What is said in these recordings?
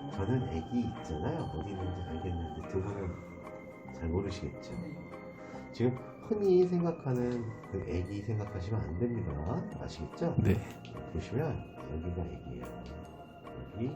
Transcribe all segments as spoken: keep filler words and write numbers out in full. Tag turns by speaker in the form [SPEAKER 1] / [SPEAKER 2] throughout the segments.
[SPEAKER 1] 저는 애기 있잖아요. 어디 있는지 알겠는데 두 분은 잘 모르시겠죠. 지금 흔히 생각하는 그 애기 생각하시면 안 됩니다. 아시겠죠?
[SPEAKER 2] 네.
[SPEAKER 1] 보시면 여기가 애기예요. 여기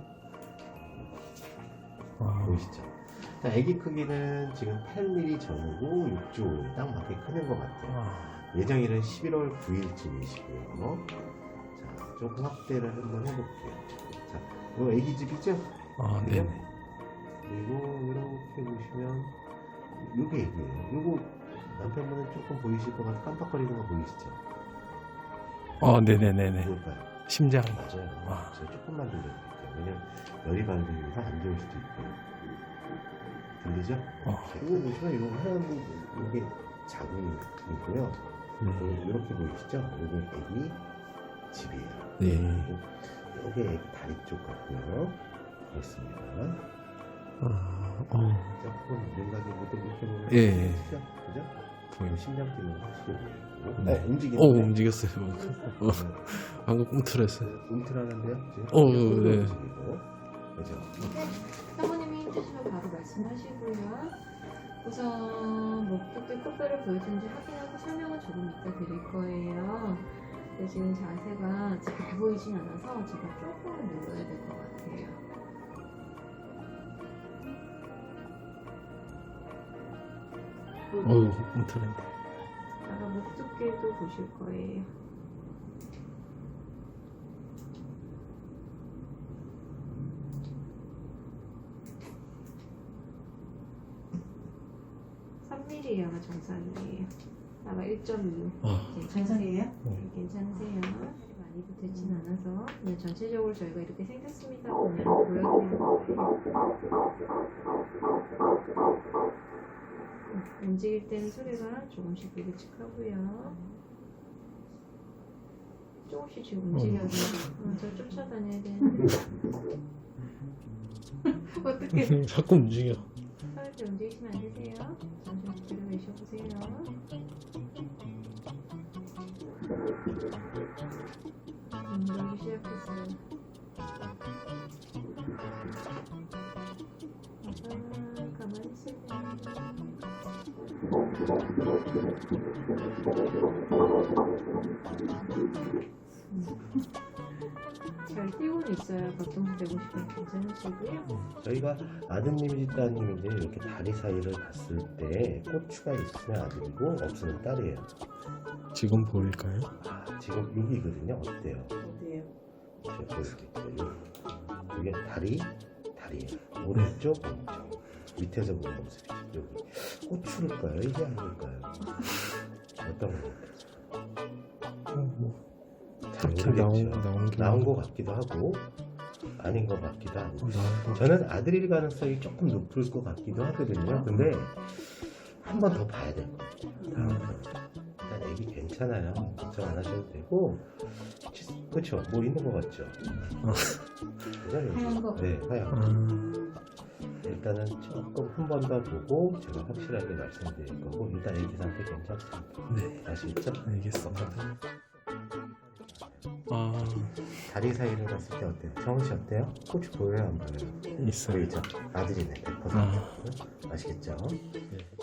[SPEAKER 2] 아,
[SPEAKER 1] 보이시죠? 자, 애기 크기는 지금 팔 밀리미터 전후고 육 주 오일 딱 맞게 크는 것 같아요.
[SPEAKER 2] 아,
[SPEAKER 1] 예정일은 십일월 구일쯤이시고요. 자, 조금 확대를 한번 해볼게요. 자, 이거 애기 집이죠?
[SPEAKER 2] 아, 네네.
[SPEAKER 1] 그리고 이렇게 보시면 이게 애기예요. 이거 남편분은 조금 보이실 것 같아 깜빡거리는 거 보이시죠?
[SPEAKER 2] 어, 네네네네.
[SPEAKER 1] 뭘까요?
[SPEAKER 2] 심장.
[SPEAKER 1] 맞아요.
[SPEAKER 2] 아.
[SPEAKER 1] 제가 조금만 들려드릴게요. 왜냐면 열이 받으면서 안 좋을 수도 있고. 들리죠?
[SPEAKER 2] 어.
[SPEAKER 1] 이거 보시면 이거 하얀 이게 자궁이고요.
[SPEAKER 2] 네.
[SPEAKER 1] 이렇게 보이시죠? 이게 애기 집이에요.
[SPEAKER 2] 네.
[SPEAKER 1] 그리고 이게 애기 다리 쪽 같고요. 그렇습니다.
[SPEAKER 2] 아, 어,
[SPEAKER 1] 조금 윤곽이 묻어 이렇게 보면
[SPEAKER 2] 예, 예.
[SPEAKER 1] 보이시죠? 그죠?
[SPEAKER 2] 보여.
[SPEAKER 1] 심장 뛰는 거 확실히 보이고.
[SPEAKER 2] 네.
[SPEAKER 1] 어, 움직이는데?
[SPEAKER 2] 어, 움직였어요. 어, 방금 꿈틀었어요.
[SPEAKER 1] 움틀하는데요? 지금
[SPEAKER 2] 어,
[SPEAKER 1] 손도
[SPEAKER 2] 네.
[SPEAKER 1] 움직이고. 그죠?
[SPEAKER 3] 사모님이 힘드시면 바로 말씀하시고요. 우선 목도끼 코뼈를 보여주는지 확인하고 설명은 조금 이따 드릴 거예요. 근데 지금 자세가 잘 보이진 않아서 제가 조금 눌러야 될 것 같아요.
[SPEAKER 2] 어우, 꿈틀한데.
[SPEAKER 3] 아까 목 두께도 보실 거예요. 삼 밀리미터가 정상이에요. 아마 일 점 이.
[SPEAKER 2] 아,
[SPEAKER 3] 정상이에요?
[SPEAKER 2] 네.
[SPEAKER 3] 괜찮으세요. 살이 많이 붙었진 않아서 그냥 전체적으로 저희가 이렇게 생겼습니다. 그냥 보여드리고 움직일 때는 소리가 조금씩 불규칙하고요. 조금씩 지금 움직여도 어, 저 쫓아다녀야 되는데 어떻게
[SPEAKER 2] 자꾸 움직여.
[SPEAKER 3] 살짝 움직이시면 안 되세요. 잠시 뒤로 내셔보세요. 음, 놀기 시작했어요. 아빠 가만히 있으세요. 잘 뛰고는 있어요. 박동수 백오십 분 괜찮으시고요.
[SPEAKER 1] 저희가 아드님인지 따님인지 이렇게 다리 사이를 봤을 때 고추가 있으면 아들이고 없으면 딸이에요.
[SPEAKER 2] 지금 보일까요?
[SPEAKER 1] 아, 지금 여기거든요. 어때요?
[SPEAKER 3] 어디에요?
[SPEAKER 1] 제가 보여드릴게요. 여기. 이게 다리, 다리예요. 오른쪽, 왼쪽. 밑에서 보는 모습이죠. 여기. 고추일까요? 이게 아닐까요? 어떤 거 같아요?
[SPEAKER 2] 어, 뭐.
[SPEAKER 1] 잘
[SPEAKER 2] 그렇게 나온,
[SPEAKER 1] 모르겠죠.
[SPEAKER 2] 나온 게.
[SPEAKER 1] 나온 것 같기도 하고 아닌 것 같기도 하고.
[SPEAKER 2] 어, 나온 거.
[SPEAKER 1] 저는 아들일 가능성이 조금 높을 것 같기도 하거든요. 근데 한 번 더 봐야 될 것 같아요. 일단 애기 괜찮아요. 걱정 안 하셔도 되고. 그렇죠? 뭐 있는 것 같죠?
[SPEAKER 3] 하얀 거.
[SPEAKER 1] 네, 하얀 거.
[SPEAKER 2] 아,
[SPEAKER 1] 일단은 조금 한 번 더 보고 제가 확실하게 말씀드릴 거고 일단 애기 상태 괜찮습니다.
[SPEAKER 2] 네.
[SPEAKER 1] 아시겠죠?
[SPEAKER 2] 알겠습니다. 아,
[SPEAKER 1] 다리 사이를 봤을 때 어때요? 정은 씨 어때요? 고추 보여요? 안 보여요?
[SPEAKER 2] 있어요.
[SPEAKER 1] 보이죠? 아들이네 백 퍼센트.
[SPEAKER 2] 아.
[SPEAKER 1] 아시겠죠?
[SPEAKER 2] 네.